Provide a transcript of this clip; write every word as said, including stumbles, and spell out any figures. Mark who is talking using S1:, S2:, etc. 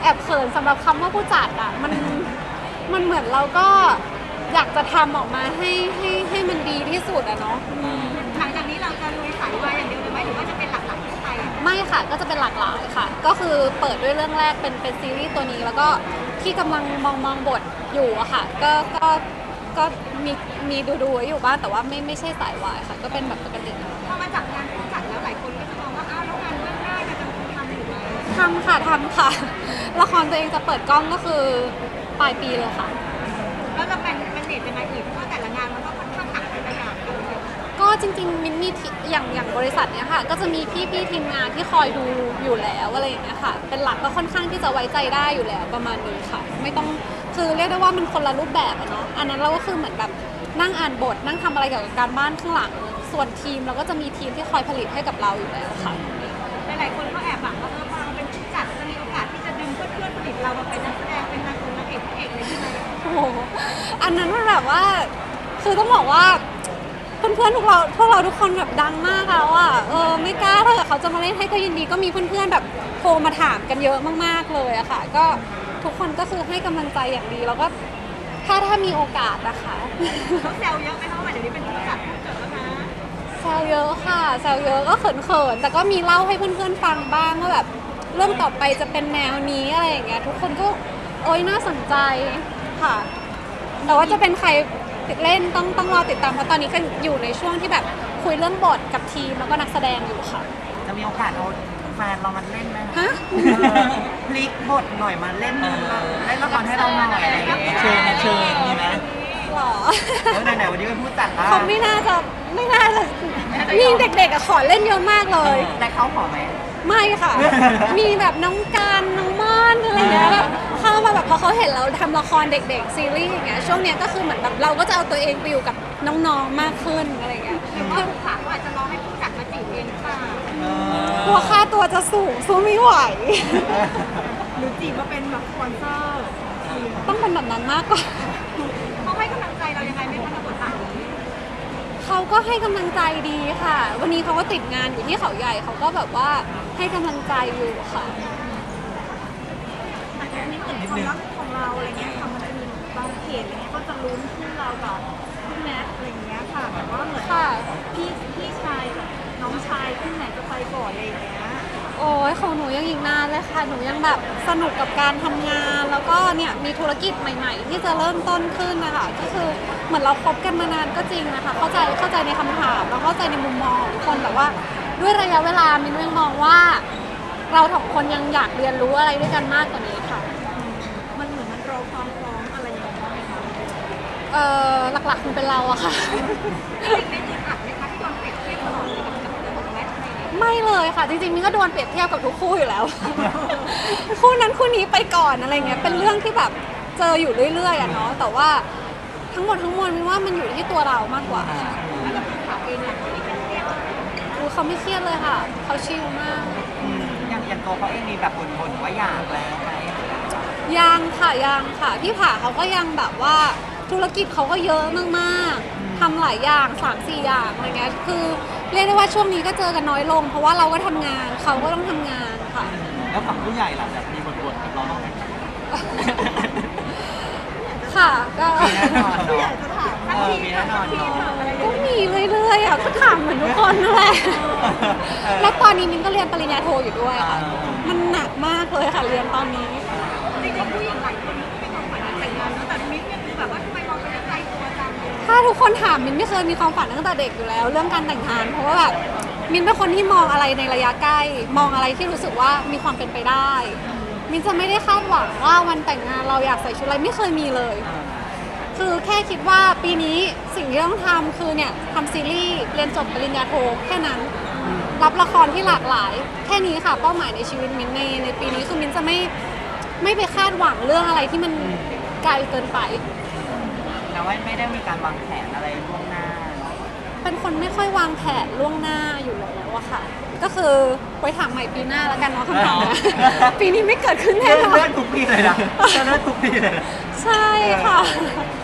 S1: อบเขินสำหรับคำว่าผู้จัดอ่ะมันมันเหมือนเราก็อยากจะทำออกมาให้ให้ให้มันดีที่สุดอะเนาะ
S2: หลังจากนี้เราจะลุยสายวายอย่างเดียวหรือไม่หรือว่าจะเป็นหลักๆที่ไทย
S1: ไม่ค่ะก็จะเป็นหลากหลายค่ะก็คือเปิดด้วยเรื่องแรกเป็นเป็นซีรีส์ตัวนี้แล้วก็ที่กำลังมองมองบทอยู่อะค่ะก็ก็ก็มีมีดูดูอยู่บ้างแต่ว่าไม่ไม่ใช่สายวายค่ะก็เป็นแบบปกติ
S2: พอมาจากงานผู้จัดแล้วหลายคนก็จะมองว่าอ้าวแล้วงานเบื้องหน้าจะทำอยู่ไหม
S1: ทำค่ะทำค่ะละครตัวเองจะเปิดกล้องก็คือปลายปีเลยค่ะ
S2: แล้วเราเป็นเป็นเน็ตยังไงอีกเพราะแต่ละงานมันก็ค่อนข้างหนักหลายอย่าง
S1: ก็จริงๆมินมีอย่างอย่างบริษัทเนี้ยค่ะก็จะมีพี่พี่ทีมงานที่คอยดูอยู่แล้วอะไรอย่างเงี้ยค่ะเป็นหลักก็ค่อนข้างที่จะไว้ใจได้อยู่แล้วประมาณนึงค่ะไม่ต้องคือเรียกได้ว่ามันคนละรูปแบบอะเนาะอันนั้นเราก็คือเหมือนแบบนั่งอ่านบทนั่งทำอะไรเกี่ยวกับการบ้านข้างหลังส่วนทีมเราก็จะมีทีมที่คอยผลิตให้กับเราอยู่แล้วค่ะ
S2: หลายๆคนก็แอบหวังว่าเออพอเราเป็นผู้จัดจะมีโอกาสที่จะดึงเพื่อนๆผลิตเรามาเป็นนักแสดงเป็นนางนางเอกพระเอกเลยใช่ไหม
S1: โอ้โหอันนั้นมันแบบว่าคือต้องบอกว่าเพื่อนๆพวกเราพวกเราทุกคนแบบดังมากแล้วอ่ะเออไม่กล้าถ้าเกิดเขาจะมาเล่นให้ก็ยินดีก็มีเพื่อนๆแบบโทรมาถามกันเยอะมากๆเลยอะค่ะก็ทุกคนก็คือให้กำลังใจอย่างดีแล้วก็ถ้าถ้ามีโอกาสนะคะ
S2: เขาแซวเยอะไหมคะว่าเดี๋ยวนี้เป็นผู้จัดผู้จัดแล้วนะ
S1: แซวเยอะค่ะแซวเยอะก็เขินๆแต่ก็มีเล่าให้เพื่อนๆฟังบ้างว่าแบบเรื่องต่อไปจะเป็นแนวนี้อะไรอย่างเงี้ยทุกคนก็โอ๊ยน่าสนใจค่ะแต่ว่าจะเป็นใครติดเล่นต้องต้องรอติดตามเพราะตอนนี้ก็อยู่ในช่วงที่แบบคุยเรื่องบทกับทีมแล้วก็นักแสดงอยู่ค่ะ
S3: จะมีโอกาสเอาแฟนเรามาเล่นไหม
S1: ฮะ
S3: พลิกบทหน่อยมาเล่นเล่นละครให้เราหน่อยอะไรอย่างเงี้ย
S4: เชิญเชิญมีไหม
S1: หรอ
S3: เออไหนๆวันนี้เป็นผู้จัดนะ
S1: เขาไม่น่าจะไม่น่าจะมีเด็กๆอะขอเล่นเยอะมากเลย
S3: แต่เขาขอไหม
S1: ไม่ค่ะมีแบบน้องการน้องม่อนอะไรเงี้ยแบบเข้ามาแบบพอเขาเห็นเราทำละครเด็กๆซีรีส์อย่างเงี้ยช่วงเนี้ยก็คือเหมือนแบบเราก็จะเอาตัวเองไปอยู่กับน้องๆมากขึ้นอะไรเงี้ย
S2: หรือว่าผู้จัดก็อาจจะรอให้ผู้จัดมาจีบเองหรือเปล่าก
S1: ลัวค่าตัวจะสูงสู้ไม่ไหว
S2: หรือจีบมาเป็นแบบสปอนเซอร์
S1: ต้องเป็นแบบนั้นมากกว่า
S2: เขาให้กำลังใจเรายังไงไม่คะในบทบาทนี้
S1: เขาก็ให้กำลังใจดีค่ะวันนี้เขาก็ติดงานอยู่ที่เขาใหญ่เขาก็แบบว่าให้กำลังใจอยู่ค่ะ
S2: แต่ทีนี้เหมือนความรักของเราอะไรเงี้ยค่ะมันจะมีบางเพจอะไรเงี้ยก็จะลุ้นคู่เรากับพี่แมทอะไรเงี้ยค่ะแบบว่าเหมือนพี่พี่ชายกับน้องชายคู่ไหนจะไปก่อนอะไรเงี้ย
S1: โอ้ยของหนูยังอีกนานเลยค่ะหนูยังแบบสนุกกับการทำงานแล้วก็เนี่ยมีธุรกิจใหม่ๆที่จะเริ่มต้นขึ้นนะคะก็คือเหมือนเราคบกันมานานก็จริงนะคะเข้าใจเข้าใจในคำถามแล้วเข้าใจในมุมมองของทุกคนแต่ว่าด้วยระยะเวลามินยังมองว่าเราสองคนยังอยากเรียนรู้อะไรด้วยกันมากกว่านี้ค่ะ
S2: มันเหมือนมันรอความพร้อมอะไรอย่างเงี้ยไหมคะ
S1: เอ่อหลักๆคงเป็นเราอะค่ะ
S2: ไม่ได้อัดไหมคะที่โดนเปรียบเทียบตลอดเลยกับกับเรื่องของแมทอะไรเงี้ย
S1: ไม่เลยค่ะจริงๆมินก็โดนเปรียบเทียบกับทุกคู่อยู่แล้วคู่นั้นคู่นี้ไปก่อนอะไรเงี้ยเป็นเรื่องที่แบบเจออยู่เรื่อยๆอะเนาะแต่ว่าทั้งหมดทั้งมวลมินว่ามันอยู่ที่ตัวเรามากกว่า
S2: แล้วก็คือข่าวเองเนี่ยที่เป็นเครียด
S1: คือเขาไม่เครียดเลยค่ะเขาชิลมาก
S3: อย่างอย่างตัวเขาเองมีแบบบ่นๆว่าอยากแล้วไหม
S1: ยังค่ะยังค่ะพี่ผาเขาก็ยังแบบว่าธุรกิจเขาก็เยอะมากๆทำหลายอย่าง สามสี่ อย่างอะไรเงี้ยคือเรียกได้ว่าช่วงนี้ก็เจอกันน้อยลงเพราะว่าเราก็ทำงานเขาก็ต้องทำงานค่ะ
S4: แล้วฝั่งผู้ใหญ่ล่ะแบบมีบ่นๆกับเราบ้างไหม
S1: ค่ะก็
S3: มีแน่นอนเนาะ
S2: ทั้งทีม
S3: มีแน่นอนเนาะ
S1: ก็มีเรื่อยๆอ่ะก็ถามเหมือนทุกคนนั่นแหละแล้วตอนนี้มินก็เรียนปริญญาโทอยู่ด้วยค่ะมันหนักมากเลยค่ะเรียนตอนนี้
S2: จริงๆผู้หญิงหลายคนก็มีความฝันแต่งงานแต่มิ้นเนี่ยคือแบบว่าทำไมมองเป็นใจตัวจัง
S1: ถ้าทุกคนถามมินไม่เคยมีความฝันตั้งแต่เด็กอยู่แล้วเรื่องการแต่งงานเพราะว่าแบบมินเป็นคนที่มองอะไรในระยะใกล้มองอะไรที่รู้สึกว่ามีความเป็นไปได้มินจะไม่ได้คาดหวังว่าวันแต่งงานเราอยากใส่ชุดอะไรไม่เคยมีเลยคือแค่คิดว่าปีนี้สิ่งที่ต้องทำคือเนี่ยทำซีรีส์เรียนจบปริญญาโทแค่นั้นรับละครที่หลากหลายแค่นี้ค่ะเป้าหมายในชีวิตมินในในปีนี้คือมินจะไม่ไม่ไปคาดหวังเรื่องอะไรที่มันไกลเกินไป
S3: แต่ว่าไม่ได้มีการวางแผนอะไรล่วงหน้า
S1: เป็นคนไม่ค่อยวางแผนล่วงหน้าอยู่แล้วอะค่ะก็คือไว้ถามใหม่ปีหน้าแล้วกันเนาะคำถามนะปีนี้ไม่เกิดขึ้นแน่นอน
S3: เลื่อนทุกปีเลยนะเลื่อนทุกปีเลย
S1: ใช่ค่ะ